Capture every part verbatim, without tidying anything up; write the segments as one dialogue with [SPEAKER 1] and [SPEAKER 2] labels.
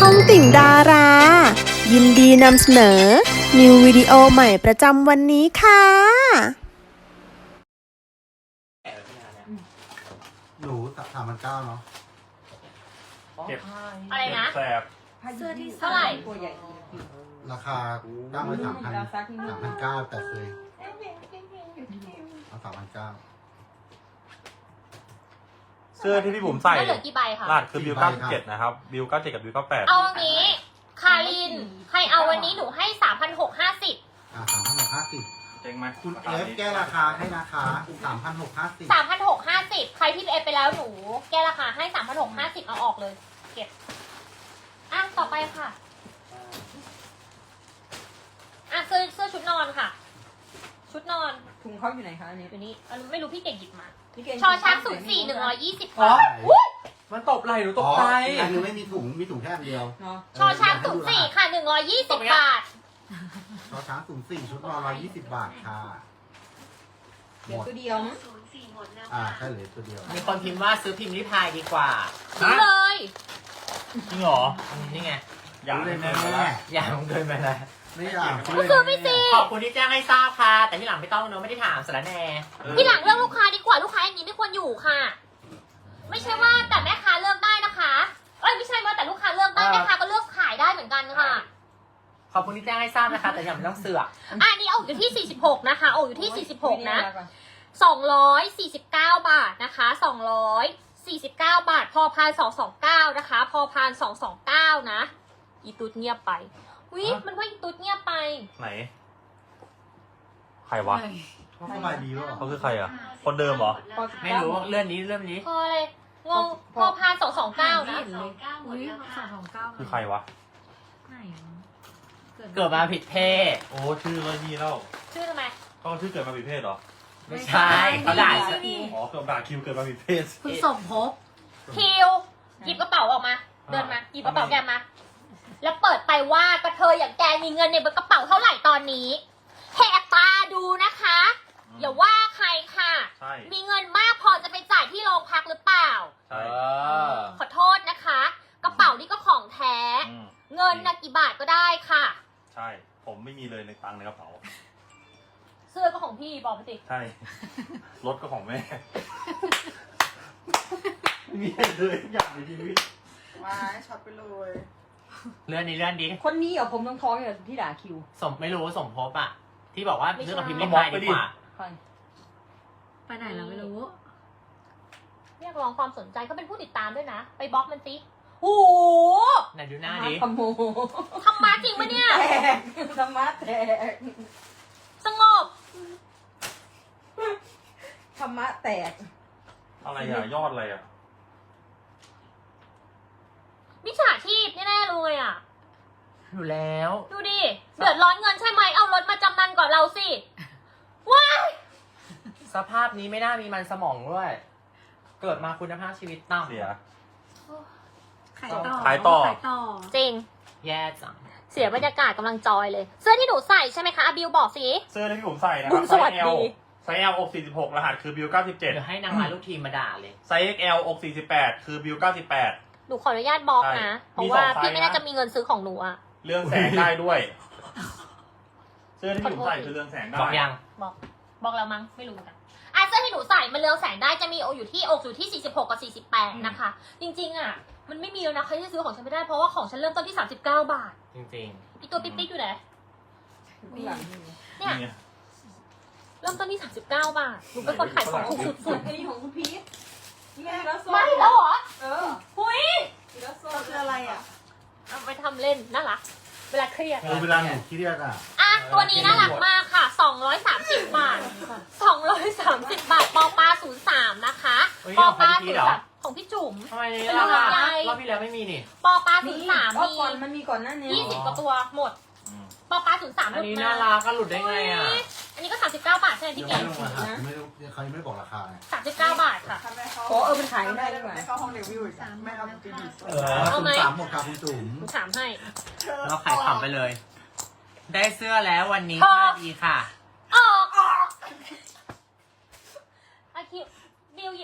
[SPEAKER 1] องติ่งดารา ยินดีนำเสนอ นิววิดีโอใหม่ประจำวันนี้ค่ะ
[SPEAKER 2] หนูสามพันเก้าเนาะ
[SPEAKER 3] เก็บ
[SPEAKER 4] อะไรนะ
[SPEAKER 3] แสบ
[SPEAKER 5] เสื้อที่
[SPEAKER 4] เท่าไหร่
[SPEAKER 5] ตัวใหญ่
[SPEAKER 2] ราคาตั้งไว้สามพันสามพันเก้าแต่เคยเอาสามพันเก้า
[SPEAKER 3] เสื้อที่พี่บุ๋มใส่
[SPEAKER 4] ก็เหลือกี่ใบคะ
[SPEAKER 3] รหัสคือบิว
[SPEAKER 2] สี่ใบ
[SPEAKER 3] เก้า
[SPEAKER 2] ครับ
[SPEAKER 3] เจ็ดนะครับบิวเก้าเจ็ดกับบิวเก้าแปด
[SPEAKER 4] เอาอันนี้ คาริน ใครเอาวันนี้หนูให้สามพันหกห้าสิบ
[SPEAKER 2] อ่าสามพันหกห้าสิบ
[SPEAKER 3] เจ๊งไหม
[SPEAKER 2] คุณเอฟแก้ราคาให้นะคะสามพันหกห้าสิบ
[SPEAKER 4] สามพันหกห้าสิบใครที่เอฟไปแล้วหนู แก้ราคาให้สามพันหกห้าสิบเอาออกเลย เก็บ อ่ะ ต่อไปค่ะ อ่ะเสื้อเสื้อชุดนอนค่ะ ชุดนอน
[SPEAKER 5] ถุงเขาอยู่ไหนคะอันนี้
[SPEAKER 4] อยู่นี่อันไม่รู้พี่เก่งหยิบมา
[SPEAKER 5] พี่เก่ง
[SPEAKER 4] ชอช้างศูนย์สี่หนึ่งร้อยยี่สิบ
[SPEAKER 6] อ๋อ
[SPEAKER 4] บาทอุ๊ย
[SPEAKER 6] มันตบไหลหนูต
[SPEAKER 2] อ๋
[SPEAKER 6] ก
[SPEAKER 2] อ
[SPEAKER 6] ใจ
[SPEAKER 2] อันนึงไม่มีถุงมีถุงแค่อันเดียว
[SPEAKER 5] เนาะ
[SPEAKER 4] ชอช้างศูนย์สี่ค่ะหนึ่งร้อยยี่สิบบาท
[SPEAKER 2] ชอช้างศูนย์สี่ชุดนอนร้อยยี่สิบบาทค่ะห
[SPEAKER 5] เดี๋ยว
[SPEAKER 2] มด
[SPEAKER 5] ตัวเดียวมั้ง
[SPEAKER 2] อ่าแค่เหลือตัวเดียว
[SPEAKER 6] มีคนพิมพ์ว่าซื้อพิมพ์ริพายดีกว่า
[SPEAKER 4] ซื้อเลย
[SPEAKER 3] จริงเหรอ
[SPEAKER 6] นี่ไง
[SPEAKER 3] อยาก
[SPEAKER 2] เล
[SPEAKER 3] เล่
[SPEAKER 2] ย
[SPEAKER 3] น
[SPEAKER 2] แม่
[SPEAKER 3] แน่
[SPEAKER 2] แม่
[SPEAKER 6] อย่าลงเกินไปนะ
[SPEAKER 2] ไม่อยาก
[SPEAKER 4] ก็ซื้อไปสิ
[SPEAKER 6] ขอบคุณที่แจ้งให้ทราบค่ะ แต่ที่หลังไม่ต้องเนอะไม่ได้ถามสารแหน่
[SPEAKER 4] ที่หลังเลือกลูกค้าดีกว่าลูกค้าอย่างนี้ไม่ควรอยู่ค่ะ ไม่ใช่ว่าแต่แม่ค้าเลือกได้นะคะ เอ้ยไม่ใช่ว่าแต่ลูกค้าเลือกได้แม่ค้าก็เลือกขายได้เหมือนกันค่ะ
[SPEAKER 6] ขอบคุณที่แจ้งให้ทราบนะคะ แต่อย่าไม่ต้องเสือก
[SPEAKER 4] อันนี้เอาอยู่ที่สี่สิบหกนะคะเอาอยู่ที่สี่สิบหกนะสองร้อยสี่สิบเก้าบาทนะคะสองร้อยสี่สิบเก้าบาท พอพานสองสองเก้านะคะ พอพานสองสองเก้านะอีตุ๊ดเงียบไปวิมันว่าอีตุ๊ดเงียบไป
[SPEAKER 3] ไหน ใครวะ
[SPEAKER 2] เขาสบายดีวะ
[SPEAKER 3] เขาคือใครอ่ะ คนเดิมเหรอ
[SPEAKER 6] ไม่รู้เลื่อนนี้เลื่อนนี้
[SPEAKER 4] พอเลยงงพอพานสองสองเก้านะ
[SPEAKER 5] อุ้ยสองสองเก้า
[SPEAKER 3] คือใครวะ
[SPEAKER 5] ไหน
[SPEAKER 6] เกิดมาผิดเพศ
[SPEAKER 3] โอ้ชื่อก็นี่แล้ว
[SPEAKER 4] ชื่อทำไม
[SPEAKER 3] เขาชื่อเกิดมาผิดเพศเหรอ
[SPEAKER 6] ไม่ใช่เขาด่า
[SPEAKER 3] อ๋อเกิดด่าคิวเกิดมาผิดเพศ
[SPEAKER 5] คุณสมภพ
[SPEAKER 4] คิวหยิบกระเป๋าออกมา เดินมาหยิบกระเป๋าแกมา แล้วเปิดไปว่ากระเทยอย่างแกมีเงินในกระเป๋าเท่าไหร่ตอนนี้แหกตาดูนะคะ อย่าว่าใครค่ะ
[SPEAKER 3] ใช่
[SPEAKER 4] มีเงินมากพอจะไปจ่ายที่โรงพักหรือเปล่า
[SPEAKER 3] ใช่
[SPEAKER 4] ขอโทษนะคะ กระเป๋านี่ก็ของแท้
[SPEAKER 3] อืม
[SPEAKER 4] เงินนะกี่บาทก็ได้ค่ะ
[SPEAKER 3] ใช่ ผมไม่มีเลยในตังค์ในกระเป๋า
[SPEAKER 4] เสื้อก็ของพี่บอกไปสิ
[SPEAKER 3] ใช่ รถก็ของแม่ ไม่มีเลยทุกอย่างในชีวิต
[SPEAKER 7] มาช็อตไปเลย
[SPEAKER 6] เลื่อนนี้เลื่อนดี
[SPEAKER 5] คนนี้เหรอผมต้องท้องๆอย่างที่ด่าคิว
[SPEAKER 6] สมไม่รู้สมภพอ่ะ ที่บอกว่าซื้อกับพิมพ์ริพายดีกว่า
[SPEAKER 5] ใครไปไหนเราไม่รู้
[SPEAKER 4] เรียกร้องความสนใจเขาเป็นผู้ติดตามด้วยนะ ไปบล็อกมันสิโอ้โห
[SPEAKER 6] ไหนดูหน้าดิ
[SPEAKER 5] ขโมย
[SPEAKER 4] ทำมาจริงปะเนี่ย
[SPEAKER 5] แตกธรรมะแตก
[SPEAKER 4] สงบ
[SPEAKER 5] ธรรมะแตก
[SPEAKER 3] อะไรอ่ะ ยอดอะไรอ่ะ
[SPEAKER 4] มิจฉาชีพแน่ๆเลยอ่ะ
[SPEAKER 6] อยู่แล้ว
[SPEAKER 4] ดูดิ เดือดร้อนเงินใช่ไหม เอารถมาจำนำก่อนเราสิ ว้าย
[SPEAKER 6] สภาพนี้ไม่น่ามีมันสมองด้วย เกิดมาคุณภาพชีวิตต่ำ
[SPEAKER 3] เสีย
[SPEAKER 5] ขายต่อ
[SPEAKER 3] ขายต่อ
[SPEAKER 5] ขายต่อ
[SPEAKER 4] จริง
[SPEAKER 6] แย่จัง
[SPEAKER 4] เสียบรรยากาศกำลังจอยเลย เสื้อที่หนูใส่ใช่ไหมคะอาบิวบอกสิ
[SPEAKER 3] เสื้อที่ผมใส่นะค
[SPEAKER 4] บุ
[SPEAKER 3] รับ
[SPEAKER 4] ญ
[SPEAKER 3] ไซ
[SPEAKER 4] สวัส
[SPEAKER 3] ส์
[SPEAKER 4] ดี
[SPEAKER 3] L ไซส์ L อกสี่สิบหกรหัสคือบิวเก้าสิบเจ็ด
[SPEAKER 6] เดี๋ยวให้นางร้ายลูกทีมมาด่าเลย
[SPEAKER 3] ไซส์ เอ็กซ์ แอล อกสี่สิบแปดคือบิวเก้าสิบแปด
[SPEAKER 4] หนูขออนุญาตบล็อกนะ
[SPEAKER 3] ใช่
[SPEAKER 4] เพราะว่า
[SPEAKER 3] มีสองไซส์
[SPEAKER 4] พี่ไม่น่า
[SPEAKER 3] นะ
[SPEAKER 4] จะมีเงินซื้อของหนูอะ
[SPEAKER 3] เรื่องแสงได้ด้วย เสื้อที่ผมใส่คือเรื่องแสงได้
[SPEAKER 6] บอกยัง
[SPEAKER 4] บอก บอกแล้วมั้ง ไม่รู้เหมือนกันอ่ะเสื้อที่หนูใส่มันเรืองแสงได้จะมีอกอยู่ที่อกอยู่ที่สี่สิบหกกับสี่สิบแปดนะคะ จริงๆอะมันไม่มีแล้วนะใครที่ซื้อของฉันไม่ได้เพราะว่าของฉันเริ่มต้นที่สามสิบเก้าบาท
[SPEAKER 6] จริง
[SPEAKER 4] อีตัวปิ๊กๆอยู่ไหน
[SPEAKER 5] ข้างหลังนี่
[SPEAKER 4] เนี่ย
[SPEAKER 3] นี่
[SPEAKER 4] เริ่มต้นที่สามสิบเก้าบาทหนูเป็นคนขายของถูกสุด
[SPEAKER 5] อันนี้ของคุณพีทนี่ไงแล้ว
[SPEAKER 4] ๆไม่แล้วเหรอ
[SPEAKER 5] เออ
[SPEAKER 4] หุย
[SPEAKER 5] แล้วโซ่
[SPEAKER 7] คืออะไรอ่ะ
[SPEAKER 4] เอาไปทำเล่นน่ารักเวลาเครียด
[SPEAKER 2] เออเวลาหนูเครียดอ่ะ
[SPEAKER 4] อ่ะ ตัวนี้น่ารักมากค่ะ สองร้อยสามสิบบาท สองร้อยสามสิบบาท ปอปลาศูนย์สาม นะคะ
[SPEAKER 6] เฮ้ย
[SPEAKER 4] ปอปลา
[SPEAKER 6] ของพี่
[SPEAKER 4] ศูน
[SPEAKER 6] เหร
[SPEAKER 4] ย์
[SPEAKER 6] อ
[SPEAKER 4] สามของพี่จุ๋ม
[SPEAKER 6] ๆทำไม
[SPEAKER 4] เป็น
[SPEAKER 6] รอบ
[SPEAKER 4] ลำไย
[SPEAKER 6] รอบที่แล้วไม่มีนี่
[SPEAKER 4] ปอปลาศูนย์สาม
[SPEAKER 5] รอบ
[SPEAKER 4] มี
[SPEAKER 5] ก่อนมันมีก่อนหน้านี้
[SPEAKER 4] ยี่สิบกว่าตัวหมด
[SPEAKER 3] อืม
[SPEAKER 4] ปอปลาศูนย์สามห
[SPEAKER 6] อัน
[SPEAKER 4] ลุด
[SPEAKER 6] นี้
[SPEAKER 4] มา
[SPEAKER 6] น่ารักก็หลุดได้ไงอ่ะ
[SPEAKER 4] อุ๊ยอันนี้ก็สามสิบเก้าบาทใช่ไหม
[SPEAKER 2] ยั
[SPEAKER 4] พี่
[SPEAKER 2] ง
[SPEAKER 4] เก๋
[SPEAKER 2] ไม่ลงรหัสไม่รู้เขายังไม่บอกราคาไง
[SPEAKER 4] สามสิบเก้าบาทค่ะ
[SPEAKER 7] ทำไมเขา
[SPEAKER 5] โอ้เออมันขายได้ด้วยว่ะ
[SPEAKER 7] ไม่เข้าห้องรีวิวอีกอะไม่เอาจริง
[SPEAKER 6] เอ
[SPEAKER 4] เอา
[SPEAKER 2] ศูน
[SPEAKER 4] ไหม
[SPEAKER 2] ย์สามหมดค่ะคุณจุ๋ม
[SPEAKER 4] หนูถามให้
[SPEAKER 6] เราขายขำไปเลย ได้เสื้อแล้ววันนี้
[SPEAKER 4] พอ
[SPEAKER 6] ค่าดีค่ะ
[SPEAKER 4] ออกออกอาคิวบิวหยิบ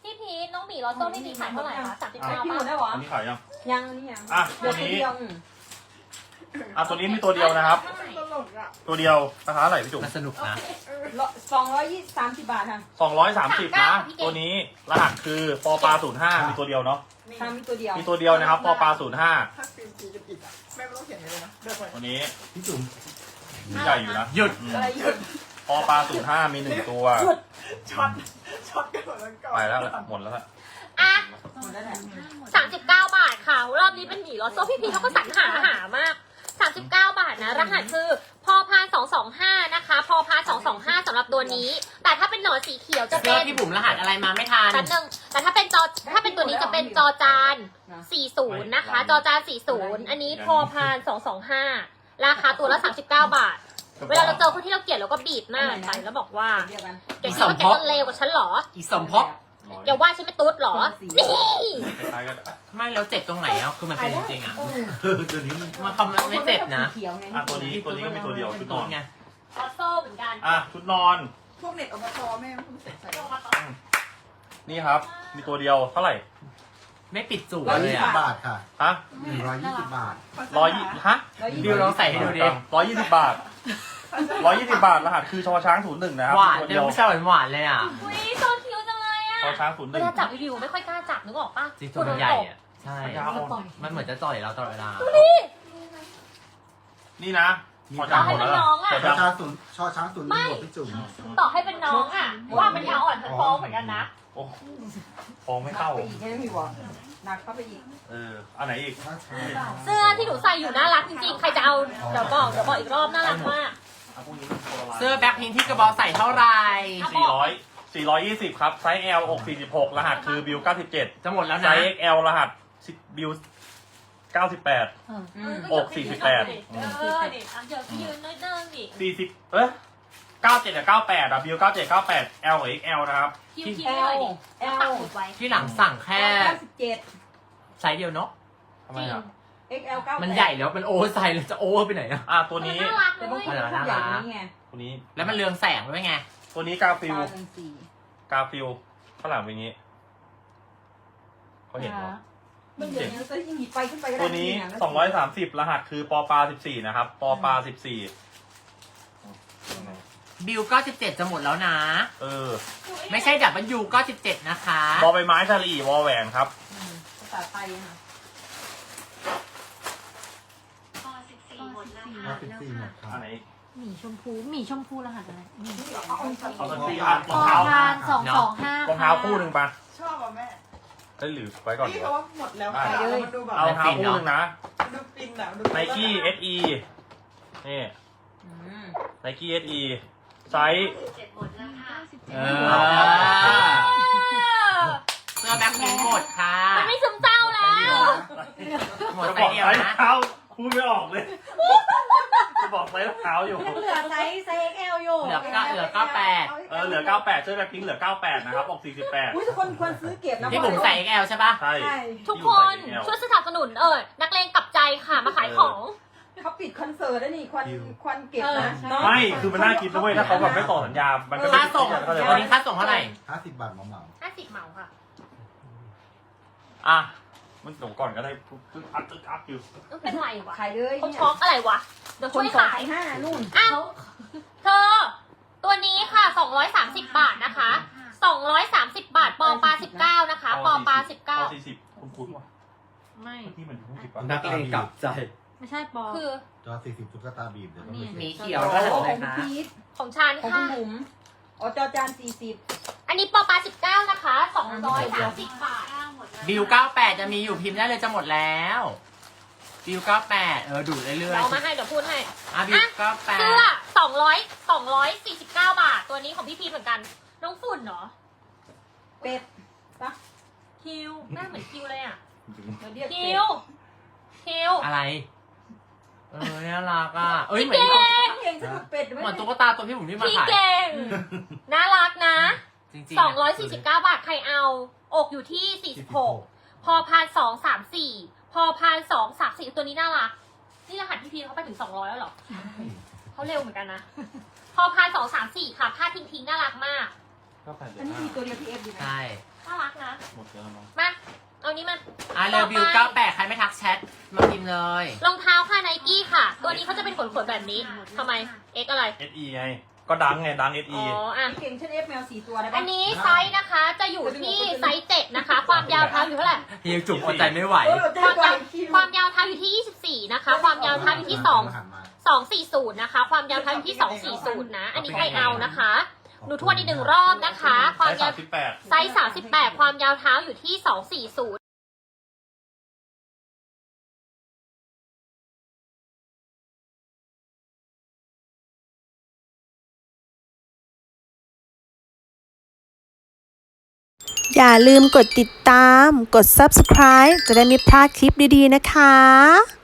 [SPEAKER 4] พี่พีทน้องหมีลอตโต้พี่พีทขายเท่าไหร่คะสามสิบ
[SPEAKER 5] ไอ้
[SPEAKER 4] เก้า
[SPEAKER 5] พี่หม
[SPEAKER 4] บา
[SPEAKER 5] ด
[SPEAKER 4] ท
[SPEAKER 5] ได้หรอ
[SPEAKER 3] อันนี้ขายยัง
[SPEAKER 5] ยังนี่ยัง
[SPEAKER 3] อ่ะ
[SPEAKER 5] เดี๋ยว
[SPEAKER 3] ตัวนี้
[SPEAKER 5] เดียว
[SPEAKER 3] อ่ะตัวนี้มีตัวเดียวนะครับ
[SPEAKER 7] ตลกอ่ะ
[SPEAKER 3] ตัวเดียวราคาเท่าไหร่พี่จุ๋ม
[SPEAKER 6] มันสนุกนะ
[SPEAKER 5] สองร้อยยี่สามสิบบาทค่ะ
[SPEAKER 3] สองร้อยสามสิบนะ ตัวนี้รหัสคือปอปลาศูนย์ห้ามีตัวเดียวเนาะ
[SPEAKER 5] ทำมีตัวเดียว
[SPEAKER 3] มีตัวเดียวนะครับปอปลาศูนย์ห้า
[SPEAKER 7] ถ้าฟิล์มสีจะปิดอ่ะแม่ไม่ต้องเขียนเลยนะเดี๋ยวก่อน
[SPEAKER 3] ตัวนี้
[SPEAKER 2] พี่จุ๋ม
[SPEAKER 3] ใหญ่อยู่นะ
[SPEAKER 6] หยุด
[SPEAKER 3] อืม
[SPEAKER 5] อะไรหยุด
[SPEAKER 3] ปอปลาศูนย์ห้ามีหนึ่งตัว
[SPEAKER 7] ช็อตช็อตกันหมดแล้วก่อน
[SPEAKER 3] ไปแล้วแหละหมดแล้วแหละ
[SPEAKER 4] อ่ะ
[SPEAKER 5] หมดแล้วแหละ
[SPEAKER 4] สามสิบเก้าบาทค่ะ รอบนี้เป็นหมีลอตโต้พี่พีทเขาก็สรรหาหามากสามสิบเก้าบาทนะรหัสคือพอพานสองสองห้านะคะพอพานสองสองห้าสำหรับตัวนี้ แต่ถ้าเป็นหนอนสีเขียวจะ
[SPEAKER 6] เสื้
[SPEAKER 4] เป็
[SPEAKER 6] อน พี่บุ๋มรหัสอะไรมาไม่ทัน
[SPEAKER 4] แป๊บนึงแต่ถ้าเป็นจอถ้าเป็นตัวนี้จะเป็นจอจานสี่สิบนะคะ จอจานสี่สิบอันนี้พอพานสองสองห้าราคาตัวละสามสิบเก้าบาท เวลาเราเจอคนที่เราเกลียดเราก็บีบหน้าไปแล้วบอกว่า
[SPEAKER 5] เดียวกัน
[SPEAKER 4] แกคิดว่าแกจะเลวกว่าฉันเหรอ
[SPEAKER 6] อีสมภพ
[SPEAKER 4] แกว่าฉันไม่ตุ๊ดเหรอ นี่
[SPEAKER 3] คล้ายๆกัน
[SPEAKER 6] ไม่แล้วเจ็บตรงไหนอ่ะคือมันเป็นจริงๆอ่ะ
[SPEAKER 2] เออตัวนี้มัน
[SPEAKER 6] มันคำมันไม่เจ็บนะ
[SPEAKER 5] เขียวไง
[SPEAKER 3] อ่ะตัวนี้ตัวนี้ก็มีตัวเดียวชุดนอน
[SPEAKER 6] ไง
[SPEAKER 4] ลอตโต้เหมือนกัน
[SPEAKER 3] อ่ะชุดนอน
[SPEAKER 7] พวกเน็ตอบตแม่ไม่ต้องใส่
[SPEAKER 3] นี่ครับ มีตัวเดียวเท่าไหร่
[SPEAKER 6] ไม่ปิดจูบ
[SPEAKER 2] ร้อย
[SPEAKER 6] เล
[SPEAKER 2] ยี่
[SPEAKER 6] ย
[SPEAKER 2] สิบ
[SPEAKER 6] อ่ะ
[SPEAKER 2] บาทค่ะ
[SPEAKER 3] ฮะ
[SPEAKER 2] หนึ่งร้อยยี่สิบบาท
[SPEAKER 3] ร้อยยี่ฮะ
[SPEAKER 6] บิวลองใส่ให้ดูดิ
[SPEAKER 3] ร้อยยี่สิบบาทร้อยยี่สิบบาทรหัสคือชอช้างศูนย์หนึ่งนะครับ
[SPEAKER 6] หวาน
[SPEAKER 3] ตัว
[SPEAKER 6] เดี๋
[SPEAKER 3] เดี
[SPEAKER 6] ย
[SPEAKER 3] ยว ว
[SPEAKER 6] ผู้ชายหวานๆเลยอ่ะ
[SPEAKER 4] อุ้ยโซคิวจังเลยอะ
[SPEAKER 3] ชอช้างศูนย์ห
[SPEAKER 4] เว
[SPEAKER 3] นึ่ง
[SPEAKER 4] ลาจับวิวไม่ค่อยกล้าจับนึกออกปะ
[SPEAKER 6] จริงๆมันใหญ่อ่ะ ใช่
[SPEAKER 3] ยาว
[SPEAKER 6] มันเหมือนจะจ่อยเราตลอดเวลา
[SPEAKER 3] นี่นะชอ
[SPEAKER 4] ต่
[SPEAKER 3] ช้า
[SPEAKER 4] อง
[SPEAKER 3] ห
[SPEAKER 4] ให้
[SPEAKER 3] มด
[SPEAKER 4] เป็น
[SPEAKER 3] แล้ว
[SPEAKER 4] น้องอะ
[SPEAKER 3] หมด
[SPEAKER 2] ชอ
[SPEAKER 3] แล้ว
[SPEAKER 2] ช้างศูนย์ชอช้างศูนย์หนึ่งบวกพี่จุ๋ม
[SPEAKER 4] ต่อให้เป็นน้องอะว่ามันยาวอ่อนท้องเหมือนกันนะ
[SPEAKER 3] โอ้ฟองไม่เข้า
[SPEAKER 5] ไปอีกใช่ไหมพี่บอกหนักเข้าไปอีก
[SPEAKER 3] เอออันไหนอีก
[SPEAKER 2] ชอช้าง
[SPEAKER 4] เสื้อที่หนูใส่อยู่น่ารักจริงๆ ใครจะเอาเดี๋ยวบอกเดี๋ยวบอกอีกรอบน่ารักมาก
[SPEAKER 3] อ่ะพวกนี้เป็นโคโรไลน์
[SPEAKER 6] เสื้อแบ็คพิงค์ที่กระบอกใส่เท่าไหร่
[SPEAKER 3] สี่ร้อยสี่ร้อยยี่สิบครับ ไซส์ L อกสี่สิบหกรหัสคือบิวเก้าสิบเจ็ด
[SPEAKER 6] จะหมดแล้ว
[SPEAKER 3] ไซ
[SPEAKER 6] นะ
[SPEAKER 3] ส์ เอ็กซ์ แอล รหัสบิวเก้าสิบแปด
[SPEAKER 5] อืม
[SPEAKER 3] อกสี่สิบแปด
[SPEAKER 4] เออดิอ่ะเดี๋ยวพี่ยืนนิดนึงดิ
[SPEAKER 3] สี่สิบเอ๊ะเก้าเจ็ดกับเก้าแปดอะบิวเก้าเจ็ดเก้าแปด L กับ เอ็กซ์ แอล นะครับ
[SPEAKER 4] คิวคิวหน่อยดิแล้วปักหมุดไว้
[SPEAKER 6] ที่หลังสั่งแค่
[SPEAKER 5] เก้าสิบเจ็ด
[SPEAKER 6] ไซส์เดียวเนาะ
[SPEAKER 3] ทำไมอ่ะ
[SPEAKER 5] เอ็กซ์แอล เก้า
[SPEAKER 6] มันใหญ่แล้วมันโอเวอร์ไซส์เลยจะโอเวอร์ไปไหนอ่ะ
[SPEAKER 3] อ่ะตัวนี้
[SPEAKER 4] น่ารัก
[SPEAKER 5] แต่
[SPEAKER 4] เล
[SPEAKER 5] บาง
[SPEAKER 4] ย
[SPEAKER 5] คนเขาใหญ่กว่านี้ไง
[SPEAKER 3] ตัวนี้
[SPEAKER 6] แล้วมันเรืองแสงด้วยไง
[SPEAKER 3] ตัวนี้กาฟิล
[SPEAKER 5] ตาหนึ่งสี่
[SPEAKER 3] กาฟิลข้างหลังเป็นอย่างนี้เขาเห็นเหรอ
[SPEAKER 5] มันเดี๋ยวนี้จะยิ่งหยิบไปขึ้นไปก็ได้
[SPEAKER 3] ตัวนี้
[SPEAKER 5] จริๆะ
[SPEAKER 3] สองร้อยสามสิบรหัสคือปอปลาสิบสี่นะครับ ปอปลาสิบสี่
[SPEAKER 6] บิวเก้าสิบเจ็ดจะหมดแล้วนะ
[SPEAKER 3] เออ
[SPEAKER 6] ไม่ใช่ดับเบิลยูเก้าสิบเจ็ดนะคะ
[SPEAKER 3] บอใบไม้ชาลีวอแหวนครับ
[SPEAKER 5] อืมภาษาไทยค่ะ
[SPEAKER 2] ห้าสิบสี่หมดค่ะ
[SPEAKER 3] อันไหนอีก
[SPEAKER 8] หมีชมพูหมีชมพูรหัสอะไรหมี
[SPEAKER 3] เอาสักทีอ่ะร
[SPEAKER 8] พ
[SPEAKER 3] อง
[SPEAKER 8] อ
[SPEAKER 3] เท้า
[SPEAKER 8] พานสองสองห้าร
[SPEAKER 3] องเท้าคู่หนึ่งปะ
[SPEAKER 7] ชอบอ่ะแม่
[SPEAKER 3] ได้หรือไว้ก่อนดี
[SPEAKER 7] นี่
[SPEAKER 3] ก
[SPEAKER 7] เขา
[SPEAKER 3] ว่า
[SPEAKER 7] ว่าหมดแล้ว
[SPEAKER 3] ได้
[SPEAKER 7] ค่ะแล้วมันดูแบบ
[SPEAKER 3] เอารองเท้าคู่หนึ่งนะ
[SPEAKER 7] ดูปินอ่ะดู
[SPEAKER 3] ไนกี้ เอส อี นี่
[SPEAKER 5] อืม
[SPEAKER 3] ไนกี้ เอส อี ไซส์
[SPEAKER 6] เออเสื้อแบ็คพิงค์หมดค่ะ
[SPEAKER 4] มันไม่ซึมเศร้าแล้ว
[SPEAKER 6] หมด
[SPEAKER 3] จะ
[SPEAKER 6] ไซ
[SPEAKER 3] บอก
[SPEAKER 6] ส์เดียว
[SPEAKER 3] ไซส์
[SPEAKER 6] นะ
[SPEAKER 3] เท้าพูดไม่ออกเลย จะบอกไซส์เท้าอยู่
[SPEAKER 8] ยังเหลือไซส์ไซส์เอ็กซ์แอลอยู่
[SPEAKER 6] เหลือเก้าเหลือเก้าแปด
[SPEAKER 3] เออเหลือเก้าแปดเสื้อแบ็คพิงค์เหลือเก้าแปดนะครับออกสี่สิบแปด
[SPEAKER 5] อุ้ยทุกคนควรซื้อเก็บนะ
[SPEAKER 6] ที่ผมใส่ เอ็กซ์ แอล ใช่ปะ
[SPEAKER 3] ใช่
[SPEAKER 5] ใช่
[SPEAKER 4] ทุกคนช่วยสนับสนุนเออนักเลงกลับใจค่ะมาขายของ
[SPEAKER 5] เขาปิดคอนเสิร์ตแล้วนี่ควันควันเก็บนะ
[SPEAKER 8] เออใช่
[SPEAKER 5] เนาะ
[SPEAKER 3] ไม่คือมันน่าคิดนะเว้ยถ้าเขาแบบไม่ต่อสัญญา มันก็ไม่
[SPEAKER 6] ค่าส่ง
[SPEAKER 3] เข้าใจ
[SPEAKER 6] วั
[SPEAKER 3] ปะ
[SPEAKER 6] นนี้ค่าส่งเท่าไหร่
[SPEAKER 2] ห้าสิบบาทเหมาเหมา
[SPEAKER 4] ห้าสิบเหมาค่ะ
[SPEAKER 3] อ่ะมันส่งก่อนก็ได้ตึ๊กอัดตึ๊กอัดอยู่
[SPEAKER 4] ต้องเป็นไรวะ
[SPEAKER 5] ขายเลย
[SPEAKER 4] เขาช็อกอะไรวะเดี๋ยว
[SPEAKER 5] ค
[SPEAKER 4] ช่วน ย
[SPEAKER 5] สอง
[SPEAKER 4] ขาย
[SPEAKER 5] พันห้านู่น
[SPEAKER 4] อ้าวเธอ ตัวนี้ค่ะสองร้อยสามสิบบาทนะคะสองร้อยสามสิบบาทปอปลาสิบเก้านะคะปอปลาสิบเก้า
[SPEAKER 3] ปอสี่สิบคุณคุ้นๆว่ะ
[SPEAKER 8] ไม่
[SPEAKER 3] เมื่อกี้มันอยู่ที่สิบป่ะ
[SPEAKER 6] นักเลงกลับใจ
[SPEAKER 8] ไม่ใช่ปอ
[SPEAKER 4] คือ
[SPEAKER 2] จอสี่สิบตุ๊กตาบีบเดี๋ยวต้องไป
[SPEAKER 6] มี
[SPEAKER 2] เช็ค
[SPEAKER 6] เขียว
[SPEAKER 5] โอ้
[SPEAKER 6] ก็
[SPEAKER 5] โห
[SPEAKER 6] หัน
[SPEAKER 5] ข
[SPEAKER 6] เล
[SPEAKER 5] อย ง
[SPEAKER 6] นะ
[SPEAKER 5] พีท
[SPEAKER 4] ของฉัน
[SPEAKER 5] ของคุ
[SPEAKER 4] ค่ะ
[SPEAKER 5] ณบุ๋มอ๋อจอจานสี่สิบ
[SPEAKER 4] อันนี้ปอปลาสิบเก้านะคะสองร้อยสามสิบบาท
[SPEAKER 6] บิวเก้าแปดจะมีอยู่พิมพ์ได้เลยจะหมดแล้วบิวเก้าแปดเออดูดเรื่
[SPEAKER 4] เดี๋
[SPEAKER 6] อย
[SPEAKER 4] ยว
[SPEAKER 6] ๆ
[SPEAKER 4] เอามาให้เดี๋ยวพูดให้
[SPEAKER 6] อ่ะบิวเก้าแปด
[SPEAKER 4] เสื้อสองร้อยสองร้อยสี่สิบเก้าบาท ตัวนี้ของพี่พีชเหมือนกัน น้องฝุ่นเหรอ
[SPEAKER 5] เป็ดปะ
[SPEAKER 4] คิวหน้าเหมือนคิวเลยอ่ะ
[SPEAKER 5] เราเรียก
[SPEAKER 4] คิ
[SPEAKER 5] เป็ด
[SPEAKER 4] ว คิว
[SPEAKER 6] อะไร เออน่ารักอ่ะเอ้ยเหมือน
[SPEAKER 4] พี่
[SPEAKER 6] ที่
[SPEAKER 4] เก่
[SPEAKER 6] เขา
[SPEAKER 4] ง
[SPEAKER 5] เก่งสนุกเป็ด
[SPEAKER 6] เหมือนตุ๊กตาตัวพี่ผมที่มา
[SPEAKER 4] พี่
[SPEAKER 6] ขาย
[SPEAKER 4] เก่ง น่ารักนะ
[SPEAKER 6] จริงๆ
[SPEAKER 4] สองร้อยสี่สิบเก้าบาทใครเอา อกอยู่ที่สี่สิบหกพอพานสองสามสี่พอพานสองสามสี่ตัวนี้น่ารัก นี่รหัสพี่พีชเขาไปถึงสองร้อยแล้วเหรอ เขาเร็วเหมือนกันนะ พอพานสองสามสี่ค่ะผ้าทิ้งทิ้งๆน่ารักมาก
[SPEAKER 3] ก็แปดเดือ
[SPEAKER 5] อั
[SPEAKER 3] น
[SPEAKER 5] นนี้
[SPEAKER 3] ห้า
[SPEAKER 5] มีตัวเดียวพีเอฟดีไหม
[SPEAKER 6] ใช่
[SPEAKER 4] น่ารักนะ
[SPEAKER 3] หมดแล้วมั้ง
[SPEAKER 4] มา เอานี้มา
[SPEAKER 6] อ่ะเร็วบิวเก้าแปดใครไม่ทักแชทมาพิมพ์เลย
[SPEAKER 4] รองเท้าค่ะไนกี้ค่ะ ตัวนี้เขาจะเป็นขนๆแบบนี้ทำไม X อะไร
[SPEAKER 3] เอสอีไง ก็ดังไงดังเอส
[SPEAKER 4] อ๋
[SPEAKER 3] อี
[SPEAKER 4] ออ่ะ
[SPEAKER 5] เก่งเช่นเอฟแมวสี่ตัวได้ปะ
[SPEAKER 4] อันนี้ไซส์นะคะจะอยู่ที่ไซส์เจ็ดนะคะ ความยาวเท้าอยู่เท่าไหร่
[SPEAKER 6] เฮียจุ๋มอดใจไม่ไหว
[SPEAKER 5] เออ
[SPEAKER 4] ความ
[SPEAKER 5] กว่
[SPEAKER 4] ยาวความยาวเท้าอยู่ที่ยี่สิบสี่นะคะ ความยาวเท้าอยู่ที่สอง
[SPEAKER 2] หันมา
[SPEAKER 4] สองสี่ศูนย์นะคะ ความยาวเท้าอยู่ที่สองสี่ศูนย์นะ อันนี้ใครเอานะคะ หนูทวนอีกหนึ่งรอบนะคะ ความ
[SPEAKER 3] สาย
[SPEAKER 4] ยา
[SPEAKER 3] สาว มสิบแปด
[SPEAKER 4] ไซส์สามสิบแปดความยาวเท้าอยู่ที่สองสี่ศูนย์
[SPEAKER 1] อย่าลืมกดติดตาม กด ซับสไครบ์ จะได้ไม่พลาดคลิปดีๆนะคะ